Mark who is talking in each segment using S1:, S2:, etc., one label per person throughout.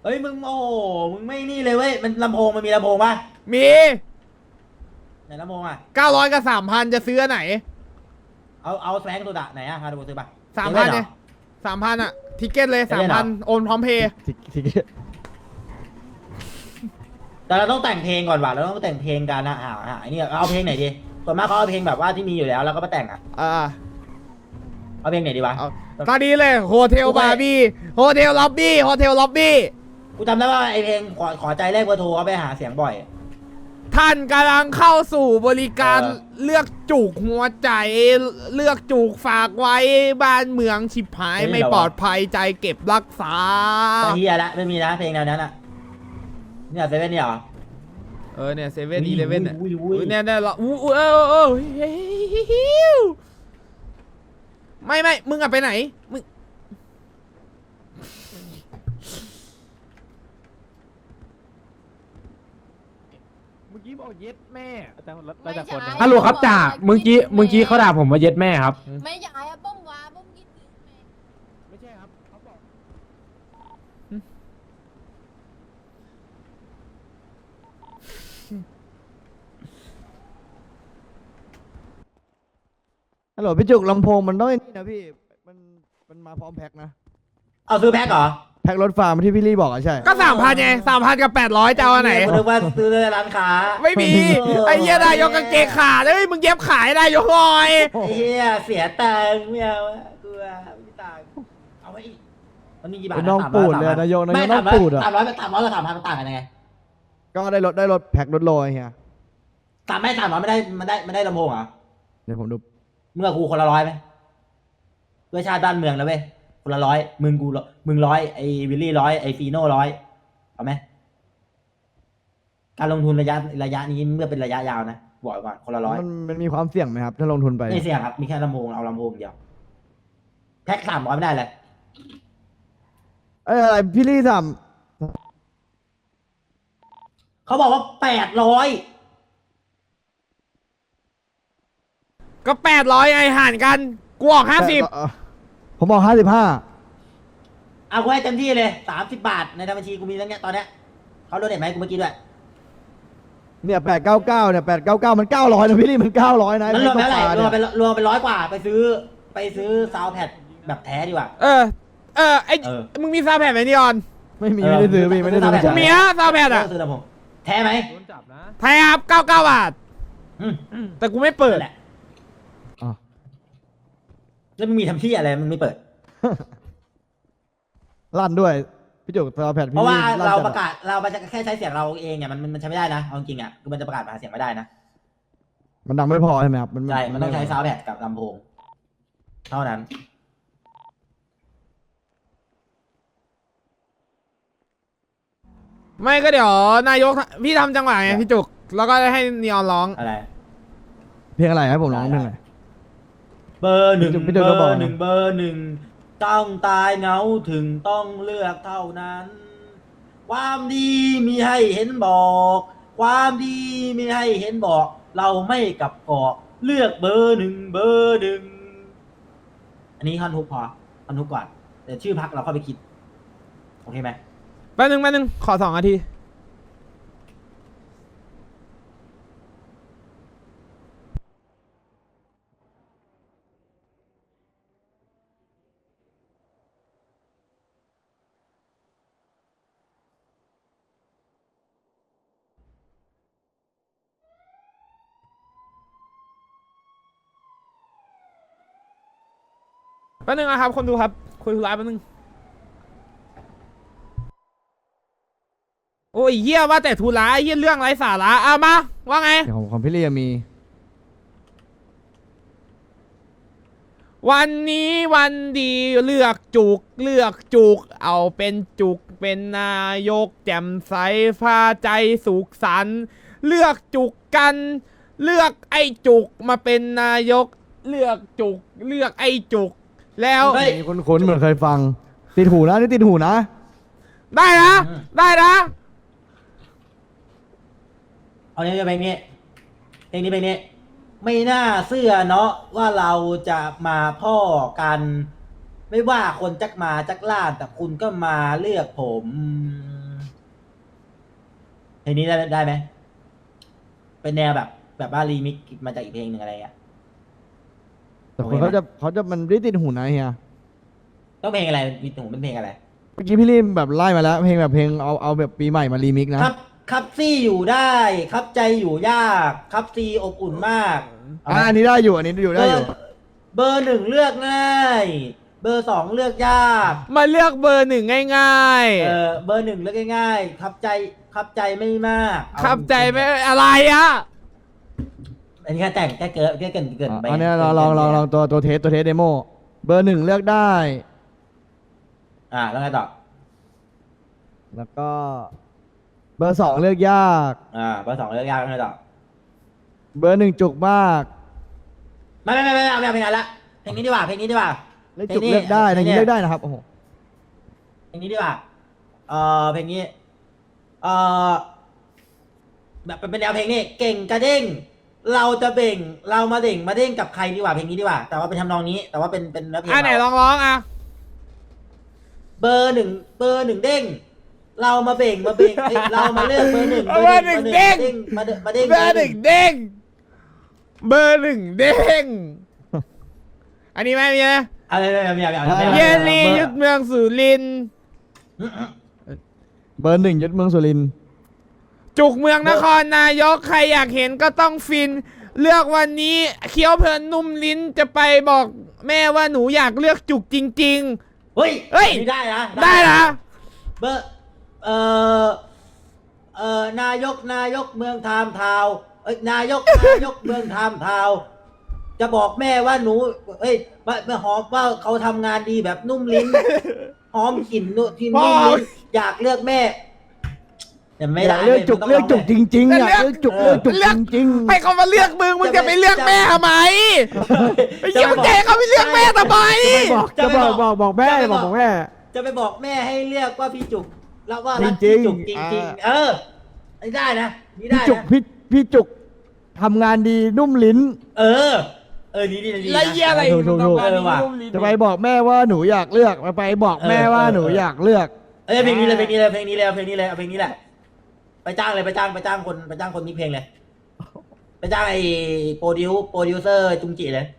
S1: เฮ้ยมึงโอ้โหมึงไม่นี่เลยเว้ยมันลำโพงมันมีลำโพงป่ะ
S2: มี
S1: ไหนลำโพงอ่ะ
S2: 900กับ3,000จะซื้ออันไหน
S1: เอาแสงตัวดะไหนอ่ะฮาร์ดโบซื้อป่ะ
S2: 3,000เนี่ย3,000อะทิเก็ตเลย3,000โอนพร้อมเพย์
S3: ที
S1: แต่เราต้องแต่งเพลงก่อนว่ะเราต้องแต่งเพลงกันนะไอ้นี่เอาเพลงไหนดีส่วนมากเขาเอาเพลงแบบว่าที่มีอยู่แล้วแล้วก็มาแต่งอ่ะเอาเพลงไหนดีวะ
S2: ตอนนี้เลยโฮเทลบาร์บี้โฮเทลล็อบบี้โฮเทลล็อบบี้
S1: กูจำได้ว่าไอเพลงขอใจแรกเบอร์โทรเขาไปหาเสียงบ่อย
S2: ท่านกำลังเข้าสู่บริการเลือกจุกหัวใจเลือกจุกฝากไว้บ้านเมืองฉิบหายไม่ปลอดภัยใจเก็บรักษา
S1: เฮียละไม่มีนะเพลงแนวนั้นอ่ะเนี่ยเซเว่นเนี่ยเหรอ
S2: เนี่ยเซเว่นอีเลเว่นเนี่ย
S1: เนี่ย
S2: ได้หรอไม่มึงอะไปไหนมึงเมื่อกี้บอกเย็ดแม่
S4: ไม่ใช่
S5: ฮัลโหลครับจ่าเมื่อกี้เขาด่าผมว่าเย็ดแม่ครับ
S4: ไม่ใช่อะป้อมวาป้อมกิน
S2: ไม่ใช่ครับเขาบอก
S3: ฮัลโหลพี่จุกลำโพงมันต้องนี่นะพี่มันมาพร้อมแพ็คนะ
S1: เอาซื้อแพ็คเหรอ
S3: แพ็ครถฟาร์มที่พี่ลี่บอกอ่ะใช่
S2: ก็3,000ไง3,000กับ800จะเอาไหน
S1: หรือว่าซื้อในร้านค้า
S2: ไม่มีไอ้เหี้ยนายกกางเกงขาดเลยมึงเย็บขายนายกหน่อย
S1: เฮียเสียตังค์ไม่เอากลัวไม่ตังค์เอาไว้อีกมันมีกี่บาท
S3: น้องปูดเลยนายกน้องปูดอ่ะ
S1: 300กับ3,000มันต่างกันยังไง
S3: ก็ได้รถแพ็ครถโลยเฮีย
S1: 300ไม่ได้ลำโพงเหรอ
S3: เดี๋ยวผมดู
S1: เมื่อกูคนละ100ไหมเพื่อชาติบ้านเมืองแล้วเว้ยคนละ100มึง100ไอ้วิลลี่100ไอ้ฟีโน่100เอาไหมการลงทุนระยะนี้เมื่อเป็นระยะยาวนะบอกก่อนคนละ100
S3: มันมีความเสี่ยงไหมครับถ้าลงทุนไป
S1: ไม่เสี่ยงครับมีแค่ลำโพงเอาลำโพงเดียวแพ็ค300ไม่ได้เลย
S3: อะไรพี่ลี่ท
S1: เขาบอกว่า800
S2: ก็800ไงห่านกันกูออก50
S3: ผมบอก55
S1: เอากูให้เต็มที่เลย30 บาทในบัญชีกูมีตั้งเนี้ยตอนเนี้ยเขาโดนเด็ดไหมกูเมื่อกี้ด้วย
S3: เนี่ย899เนี่ย899มัน900นะพี่ลี่มัน900นะ
S1: มันรวมเท่าไหร่รวมเป็น100 กว่าไปซื้อซาวด์แพดแบบแท้ดีกว่า
S2: มึงมีซาวแพดไหมนี่ออน
S3: ไม่ได้ซื้อพี่ไม่ได้ซื้อ
S2: มีอะซาวแพดอะ
S1: ซื้อลำโพงแท้ไหม
S2: แท้ครับ99 บาทแต่กูไม่เปิด
S1: แล้วมันมีทำที่อะไรมันไม่เปิด
S3: ลั่นด้วยพี่จุกซาวแพด
S1: เพราะว่าเราประกาศเราจะแค่ใช้เสียงเราเองเนี่ยมันใช้ไม่ได้นะเอาจริงอ่ะคือมันจะประกาศหาเสียงไม่ได้นะ
S3: มันดังไม่พอใช่ไหมครับ
S1: ใช่มันต้องใช้ซาวด์แพดกับลำโพงเท่านั้น
S2: ไม่ก็เดี๋ยวนายกพี่ทำจังหวะไงพี่จุกแล้วก็ให้นีออนร้อง
S1: อะไร
S3: เพลงอะไรให้ผมร้องเพลงอะไร
S1: เบอร์หนึ่งต้องตายเงาถึงต้องเลือกเท่านั้นความดีมีให้เห็นบอกความดีมีให้เห็นบอกเราไม่กลับกอกเลือกเบอร์หนึ่งอันนี้ท่อนฮุกพอท่อนฮุกก่อนเดี๋ยวชื่อพักเราเข้าไปคิดโอเคไหม
S2: แป๊บนึงขอ2 นาทีนะครับคนดูครับคุยธุระแป๊บนึงโอ้ยเยี่ยว่าแต่ธุระเยี่ยเรื่องไร้สาระเอามาว่าไง
S3: ของพี่เลียมี
S2: วันนี้วันดีเลือกจุกเอาเป็นจุกเป็นนายกแจ่มใสพาใจสุขสันต์เลือกจุกกันเลือกไอ้จุกมาเป็นนายกเลือกจุกเลือกไอ้จุกแล้ว
S3: มีคนเหมือนเคยฟังติดหูนะนี่ติดหูนะ
S2: ได้นะ
S1: เอาเนี้ยเพลงนี้ไม่น่าเชื่อเนาะว่าเราจะมาพ่อกันไม่ว่าคนจักมาจักล่าแต่คุณก็มาเลือกผมเพลงนี้ได้ไหมเป็นแนวแบบว่ารีมิกซ์มาจากอีกเพลงหนึ่งอะไรอ่ะ
S3: แต่คนเขาจะมันไม่ติดหูนะเฮีย
S1: ต้องเพลงอะไรมีหนูเป็นเพลงอะไร
S3: เมื่อกี้พี่ลี่แบบไล่มาแล้วเพลงแบบเพลงเอาแบบปีใหม่มารีมิกซ์นะครับ
S1: ครับซี่อยู่ได้ครับใจอยู่ยากครับซีอบอุ่นมากเอาไหม
S3: อันนี้ได้อยู่อันนี้อยู่ได้อยู่
S1: เบอร์หนึ่งเลือกง่าย เบอร์สองเลือกยาก
S2: มาเลือกเบอร์หนึ่งง่ายๆ
S1: เบอร์หนึ่งเลือกง่ายๆครับใจไม่มากเอา
S2: ขับใจไม่อะไรอ่ะ
S1: อันนี้แค่แต่งแค่เกินไป
S3: อันนี้ลองตัวเทสเดโมเบอร์หนึ่งเลือกได้
S1: แล้วไงต่อ
S3: แล้วก็ เบอร์สองเลือกยาก
S1: เบอร์สองเลือกยากแล้วไงต่อ
S3: เบอร์หนึ่งจุกมาก
S1: ไม่เอาเพลงนั้นละเพลงนี้ดีกว่า
S3: เลือกจุกเลือกได้ในนี้เลือกได้นะครับโอ้โห
S1: เพลงนี้ดีกว่าเพลงนี้แบบเป็นแนวเพลงนี้เก่งกระเด้งเราจะเบ่งเรามาเด้งกับใครดีกว่าเพลงนี้ดีกว่าแต่ว่าเป็นทำนองนี้แต่ว่าเป็นเนื้อเพลง
S2: ไหนลองร้องอ่ะ
S1: เบอร์หนึ่งเด้งเรามาเบ่งเอ้ยเรามาเลือกเบอร์หนึ่ง
S2: เบอร์หนึ่งเด้ง
S1: มาเด้ง
S2: เบอร์หนึ่งเด้งเบอร์หนึ่งเด้งอันนี้ไหมมีไหม
S1: อะไร
S2: เยลลี่ยึดเมืองสุรินทร์
S3: เบอร์หนึ่งยึดเมืองสุรินทร์
S2: จุกเมืองนครนายกใครอยากเห็นก็ต้องฟิน เลือกวันนี้เคี้ยวเพลินนุ่มลิ้นจะไปบอกแม่ว่าหนูอยากเลือกจุกจริง
S1: เฮ้ย
S2: เฮ้ย
S1: ได้นะ
S2: ๆ ได้นะ
S1: เบอร์นายกเมืองไทม์ทาวน์นายกเมืองไทม์ทาวน์จะบอกแม่ว่าหนูมาหอมว่าเขาทำงานดีแบบนุ่มลิ้น หอมกลิ่นที่นุ่มลิ้นอยากเลือกแม่แต่ไม่ได้
S3: เลือกจุก
S1: มันต้ง
S3: เลือกจุกจริงๆอ่ะ
S2: เลือก
S3: เลือกจุกเลือกจุกจริง
S2: ให้เขามาเลือกมึงจะไปเลือกแม่ทำไมไปเยี่ยมเจ๊เขาไปเลือกแม่ทำไม
S3: ๆจะบอกแม่บอกแม่
S1: จะไปบอกแม่ให้เรียกว่าพี่จุกแล้วว่า
S3: จ
S1: รั
S3: ริ
S1: ก
S3: งๆ
S1: พี่จุกจริง
S3: อ่า
S1: ๆนี่ได้นะนี่
S3: พี่
S1: ได้
S3: จุก
S1: นะ
S3: พี่จุกทำงานดีนุ่มลิ้น
S1: นี่ดี
S2: ไรเยี่ยอะไร
S3: ถูก
S2: มึงต้องการ
S1: ว่ะ
S2: นุ่มลิ้น
S3: จะไปบอกแม่ว่าหนูอยากเลือกไปบอกแม่ว่าหนูอยากเลือก
S1: เพลงนี้เลยเอาเพลงนี้แหละไปจ้างเลยไปจ้างคนมิกเพลงเลยไปจ้างไอ้โปรดิวเซอร์จุงจิเลย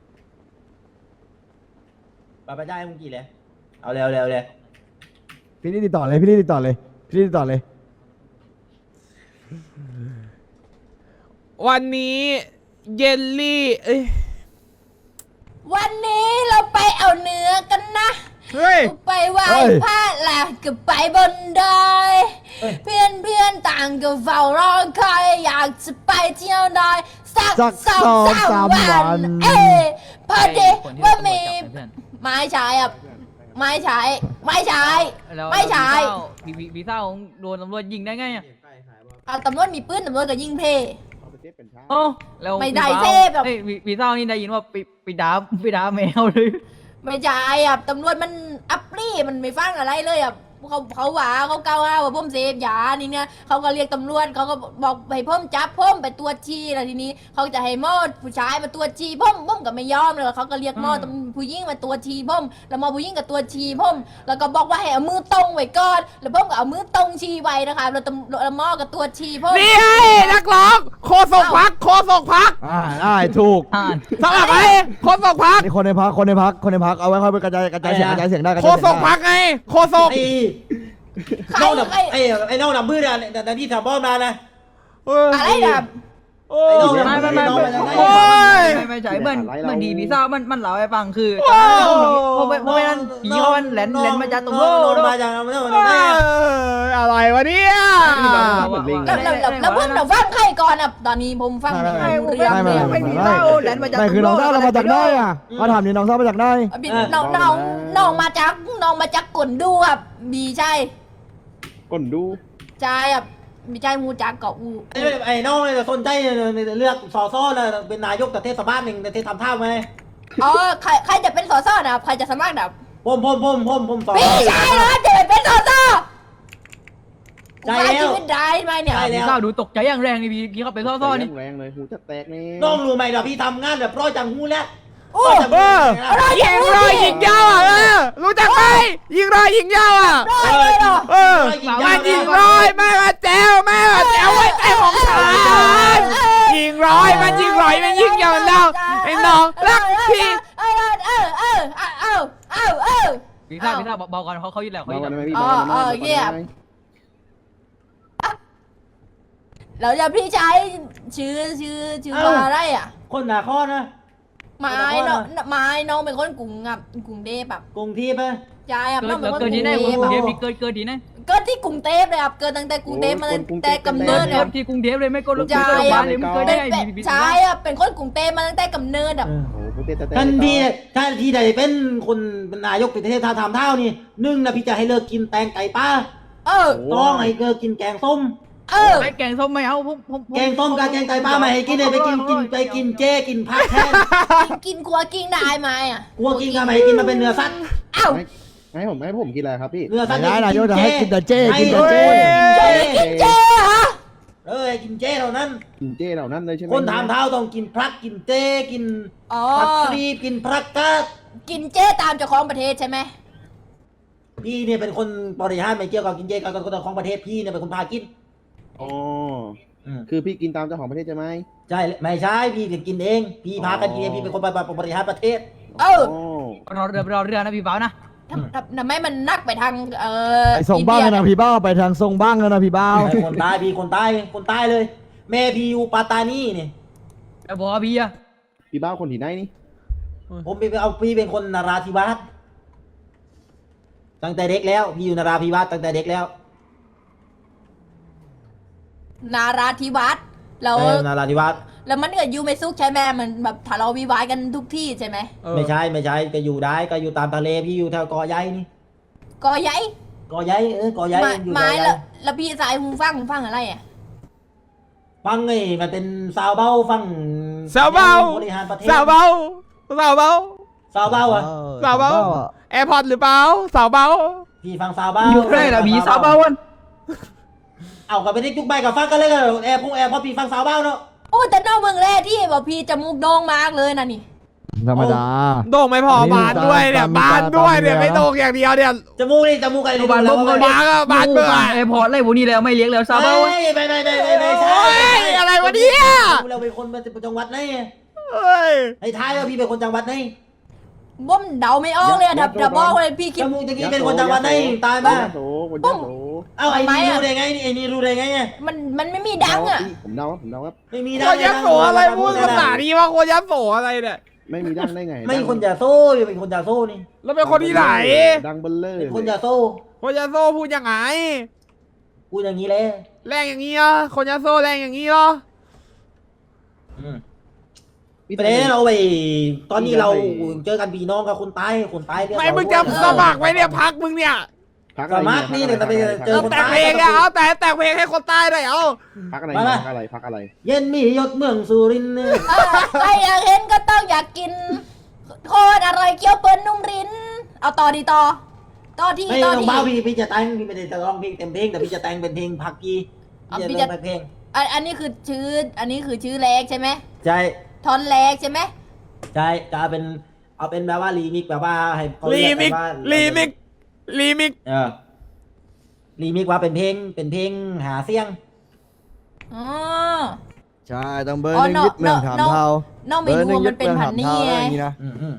S1: ไปจ้างไอ้จุงจิเลยเอาเร็วเลย
S3: พี่นี่ติดต่อเลย
S2: วันนี้เยลลี่
S4: วันนี้เราไปเอาเนื้อกันนะ
S2: เฮ้ย
S4: ไปไหว้พระหลักก็ไปบนดอยเพื่อนต่างก็เฝ้ารอคอยอยากจะไปเที่ยวดอยสัก
S3: สัก
S4: 2-3 วันพอดีว่ามีไม้ฉายอ่ะไม้ฉาย
S6: แล้ว
S4: ไม่ใช่
S6: วีซ่าของโดนตำรวจยิงได้ไงอ่ะ
S4: เอาตำรวจมีปืนตำรวจก็ยิงเพ
S6: โอ้แล้ว
S4: ไม่ได้
S6: วีซ่า
S4: เทพหรอก
S6: เอ้ยวีซ่านี่ได้ยินว่าไปด่าแมวเลย
S4: ไม่ใช่อ่ะตำรวจมันอัปรีมันไม่ฟังอะไรเลยอ่ะเขาว่าเขาเกล่าวหาว่าผมเสพยานี่เนี่ยเขาก็เรียกตำรวจเขาก็บอกให้ผมจับผมไปตรวจชีแล้วทีนี้เขาจะให้หมอผู้ชายมาตรวจชีผมก็ไม่ยอมเลยเขาก็เรียกหมอผู้หญิงมาตรวจชีผมแล้วหมอผู้หญิงก็ตรวจชีผมแล้วก็บอกว่าให้เอามือตรงไว้ก่อนแล้วผมก็เอามือตรงชีไว้นะคะแล้วหมอก็ตรวจชีผม
S2: นี่ไงนักร้องโคศกพัก
S3: ได้ถูก
S2: สมัครไหมโคศกพัก
S3: นี่คนในพักเอาไว้ค่อยไปกระจายเสียงได้
S2: โคศกพักไงโคศก
S1: ไอ้น้องดับไอ้น้องดับมืดอะแต่ที่ทำบ้อมมานะ
S4: อะไรนะ
S2: โอ้
S1: ไอ้น้อง
S2: โอ้ย
S6: ไม่ใช่เหมือนดีวีซ่ามันเล่าให้ฟังคือ
S2: ว้าว
S6: เพราะนั้นผีเขามันแหลนมาจากตรงโลก
S1: มาจาก
S2: อะไรวะเนี่ย
S4: แล้วเพิ่งเราฟังใครก่อนอ่ะตอนนี้ผมฟังไม่รู้เรื่องเลย
S6: ไม่มีเหล้าแหลนมาจาก
S3: ไม่คือน้องเศร้าเรามาจากได้อ่ะมาถามนี่น้องเศร้ามาจากได้
S4: น้องมาจากกลดูครับมีใช่
S7: ก่อนดู
S4: ใช่ครับมีใช่มูจากเกาะอู
S1: ไอ้น้องเนี่ยสนใจเลือกสอซ้อนะเป็นนายกแต่เทศบาลหนึ่งแต่เทศทำท่าไหม
S4: อ๋อใครจะเป็นสอนะครับใครจะสมัครนะครับ
S1: ผมสอ
S4: พี่ชายเหรอจะเป็นสอ
S1: ใช่แล้ว
S4: ชีวิตได้ไหมเนี่ย
S6: วีซ่าดูตกใจอย่างแรงนี่พี่เขาไปซ่อๆนี่
S7: แรงเลยหูจะแตกนี่
S1: น้องรู้ไหมเราพี่ทำงานแบบร้อยจังหูแล้ว
S4: โอ้
S2: ยิงรอยยิงยาวอ่ะรู้จักไหมยิงรอยยิงยาวอ่ะ
S4: ได้เลยเหรอ
S2: มันยิงรอยแม่มาแจวแม่มา
S6: นะเบาก่อนเขาอยู่แล้วเขาอ
S7: เบา
S6: ยู่
S7: กัน
S6: แล้ว
S7: ได้ไหมพี่
S4: อ๋อ
S7: เบากันได้ไหม
S4: เงียบ
S7: เบากันได้ไหม
S4: แล้วจะพี่ชายชื่อว่าอะไรอ่ะ
S1: คนหนาข้อนะ
S4: ไม้น้องน้องเป็นคนกรุงอ่ะกรุงเทพแบบ
S1: กรุงเทพไหม
S4: ยายอ่ะน้องเป็นคนก
S6: เกิ
S4: รุ
S6: ด
S4: ง
S6: ที่ไหน
S4: เทพ
S6: กรุงเทพ
S4: อะ
S6: มีเกิดที่ไหน
S4: เกิดที่กรุงเทพเลยครับเกิดตั้งแต่กรุงเทพมาแต่กำเนิ
S6: เกิ
S4: ด
S6: ด
S4: เลยครับ
S6: ที่กรุงเทพเลยไม่ก็รู้
S4: ใช่
S6: บ้านเลยมึงเคยได้
S4: ชายอ่ะเป็นคนกรุงเทพมาตั้งแต่กำเนิดอ่ะ
S1: เออ
S7: โอ้โหเต้แต่
S1: ท่านที่ถ้าที่ใดเป็นคนเป็นนายกประเทศท่าทำเท่านี่หนึ่งนะพี่จะให้เลิกกินแตงไก่ป้า
S4: เออ
S1: ต้องให้เลิกกินแกงส้ม
S4: เออ
S6: ไอ้แกงส้มไม่เอาผม
S1: แกงส้มกับแกงไก่ป้าไม่ให้กินเลยไปกินเจกินผักแทน
S4: กินครัวกินได้ไหมอ่ะ
S1: กลัวกินกันไม่ให้กินมาเป็นเนื้อสัตว์
S4: เอ้า
S7: ให้ผมกินอะไรครับพี่
S1: เนื้อสัตว์
S3: ไม่ได้นายกจะให้กินแต่เจ้กินแต่
S1: เจ
S3: เจ้
S4: กินเจเหรอ
S1: ให้กินเจเท่านั้น
S7: กินเจเหล่านั้นเลยใช่ไหม
S1: คนทำเท้าต้องกินพรักกินเจกิน
S4: อ๋อ
S1: ผักครีบกินพรักกาด
S4: กินเจตามเจ้าของประเทศใช่ไหม
S1: พี่เนี่ยเป็นคนบริหารไม่เกี่ยวกับกินเจกับคนของประเทศพี่เนี่ยเป็นคนพากิน
S7: อ๋อ
S1: อืม
S7: คือพี่กินตามเจ้าของประเทศใช่ไหม
S1: ใช่ไม่ใช่พี่กินเองพี่พากันกินเองพี่เป็นคนบริหารประเทศ
S4: เออ
S6: รอเรือนะพี่เปานะ
S4: ทำไมมันนักไปทาง
S3: ไปส่งบ้างกันนะพี่เบ้าไปทางส่งบ้างกันนะพี่เบ้า
S1: ไอ้คนตายพี่คนตายเลย แม่พี่อยู่ปัตตานีนี่
S6: แต่บอกพี่อะ
S7: พี่บ้าคนที่ไหนนี่
S1: ผมไปเอาพี่เป็นคนนราธิวาสตั้งแต่เด็กแล้วพี่อยู่นราธิวาสตั้งแต่เด็กแล้ว
S4: นาราธิวาสแล้ว
S1: นราธิวาส
S4: แล้วมันเกิดอยู่ไม่ซุกใช่ไหมมันแบบทะเลาะวิวาทกันทุกที่ใช่ไหม
S1: ไม่ใช่ก็อยู่ได้ก็อยู่ตามทะเลพี่อยู่แถวเกาะใหญ่นี่
S4: ก็ยัย
S1: เกาะใหญ่เกาะใหญ่อยู่
S4: ไม้
S1: เกาะใหญ่
S4: แล้วพี่สายหูฟังอะไรอ่ะ
S1: ฟังไงมันเป็นสาวเบ้าฟัง
S2: สาวเบา
S1: บริหารประเทศ
S2: สาวเบาสาวเบา
S1: สาวเบ้าอ่ะ
S2: สาวเบาแอร์พอร์ตหรือเปล่าสาวเบา
S1: พี่ฟังสาวเบ้า
S6: อยู่ใกล้ละพี่สาวเบาวัน
S1: เอากับไปได้ยุกใบกับฟังกันเลยกันแอร์พอพี่ฟังสาวเบ้าเนาะ
S4: โอ้แต่นอกเมืองแรกที่บอกพี่จมูกโด่งมากเลยนะนี่
S3: ธรรมดา
S2: โด่งไม่พอ
S3: นี่
S2: บานด้วยเนี่ย
S3: ตาม
S2: บานด้วยเนี่ย
S3: ตาม
S2: ไม่โด่งอย่างเดียวเนี่ย
S1: จมูกอะไร
S6: บานบุ้ม
S1: ก็
S6: ก็
S2: บานก็บานเบื่อ
S6: แอร์พอร์ตอะไรพวกนี้แล้วไม่เลี้ยงแล้วสาวเบา
S1: ไม่ใช่
S2: โอ้ยอะไรวะเนี่ย
S1: เราเป็นคนจังหวัดไหน
S2: เอ้ย
S1: ให้ทายว่าพี่เป็นคนจังหวัดไหน
S4: บ่มเดาไม่ออกเลยอะดับบอกเลยพี่คิ
S1: จ
S4: ด
S1: มูกตะกี้เป็นคนจังหวัดไหนตาย
S7: บ้า
S1: บ้า
S7: โสคนยาโส
S1: เอ้าไอ้นี่รู้ได้ไงนี่ไอ้นี่รู้ได้ไงเนี่ย
S4: มันไม่มีดังอ่ะ
S7: ผมเดาครับ
S1: ไม่มี
S2: โคยักษ์โสอะไรพูดภาษาดีว่าโคยักษ์โสอะไรเนี่ย
S7: ไม่มีดังได้ไง
S1: ไม่คนจะโซ่เป็นคนจะโซ่นี่
S2: แล้วเป็นคนที่ไหน
S7: ดังเบลเลอร์
S1: เป็นคนจะโซ่
S2: โคยักษ์โสพูดยังไง
S1: พูดอย่างนี้เลย
S2: แรงอย่างนี้เหรอโคยักษ์โสแรงอย่างนี้เหรอ
S1: ไปเลยเราไปตอนนี้เราเจอกันพี่น้องกับคนตายเรื่อง
S2: ไม่มึงจะสมัครไว้เนี่ยพักมึงเนี่ย
S7: พัก
S1: สมัครนี่เนี่ยจะไปเจอ
S2: แต่งเพลงอะเอาแต่งเพลงให้คนใต้หน่อยเอา
S7: พักอะไรพักอะไร
S1: เย็นมียศเมืองสุรินทร์
S4: ใครอยากเห็นก็ต้องอยากกินโคตรอร่อยเกี๊ยวเปิ้ลนุ่มรินเอาต่อดีต่อที่
S1: ไม่
S4: ต่อ
S1: ต้อง
S4: ที่
S1: บ้าพี่จะแต่งพี่ไม่ได้จะร้องเพลงเต็มเพลงแต่พี่จะแต่งเป็นเพลงพักกี้พี่จะเล่นเพลง
S4: อันนี้คือชื่อแรกใช่ไหม
S1: ใช่
S4: ท่อนแรกใช่ไหม
S1: ใช่จะเอาเป็นแบบว่ารีมิกแบบว่าให้เขา
S2: รี
S1: เรียก
S2: มิก
S1: ว่า
S2: รีมิกรีมิก
S1: รีมิกว่าเป็นเพลงหาเสียง
S4: อ๋อ
S3: ใช่ต้องเบอร์หนึ่งยึดเมืองถามเทา
S4: น้องไม่รู้ว่ามันเป็นพันนี่ไง
S3: อย่างนี้นะ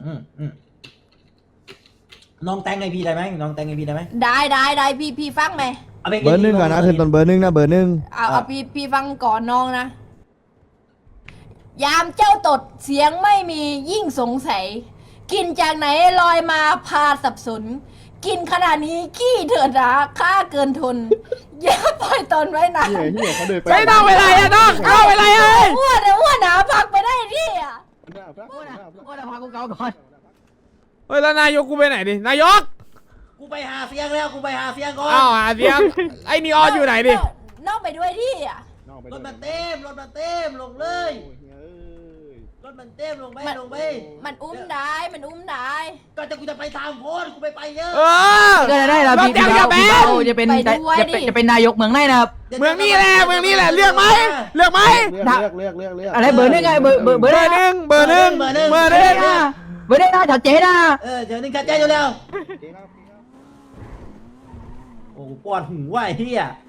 S1: น้องแต่งให้พี่ได้ไหมน้องแต่งให้พี่ได้ไหม
S4: ได้พี่ฟังไหม
S1: เอาเพลง
S3: เบอร์หนึ่งก่อนนะขึ้นต้นเบอร์หนึ่งนะเบอร์หนึ่ง
S4: เอาพี่ฟังก่อนน้องนะ ยามเจ้าตดเสียงไม่มียิ่งสงสัย กินจากไหนลอยมาพาสับสน กินขนาดนี้ขี้เถิดราค่าเกินทน อย่าปล่อยตนไว้นะ
S7: เฮียเขาเดินไป
S2: ไม่ต้องเวลาอะน้องเอาเวลาเอ้ย
S4: อ้วนหนาพักไปได้ที่อ่ะ
S6: ก็จะพากูเกาก่อน
S2: เฮ้ยแล้วนายกกูไปไหนดินายก
S1: กูไปหาเสียงแล้วกูไปหาเสียงก่อน
S2: อ้าวหาเสียงไอ้นีออนอยู่ไหนดิ
S4: น้องไปด้วยที่อ่ะ
S1: รถมันเต็มลงเลยรถมันเต็มลงไป
S4: มันอุ้มได้
S1: ก็จะกูจะไปตามโพสกูไปเยอะ
S2: เออ
S6: ก็จะได้ละพี่
S2: รถยังจะแบน
S6: จะเป็นนายกเมืองไหนนะครับ
S2: เมืองนี้แหละเลือกไหม
S7: เลือก
S6: อะไรเบอร์นึงไงเบอร์
S2: เบอร์หนึ่ง
S6: เบอร์ได้นะชัดเจนนะ
S1: เดี๋ยวนึงชัดใจอยู่แล้วโอ้ปวดหัวไอ้เหี้ย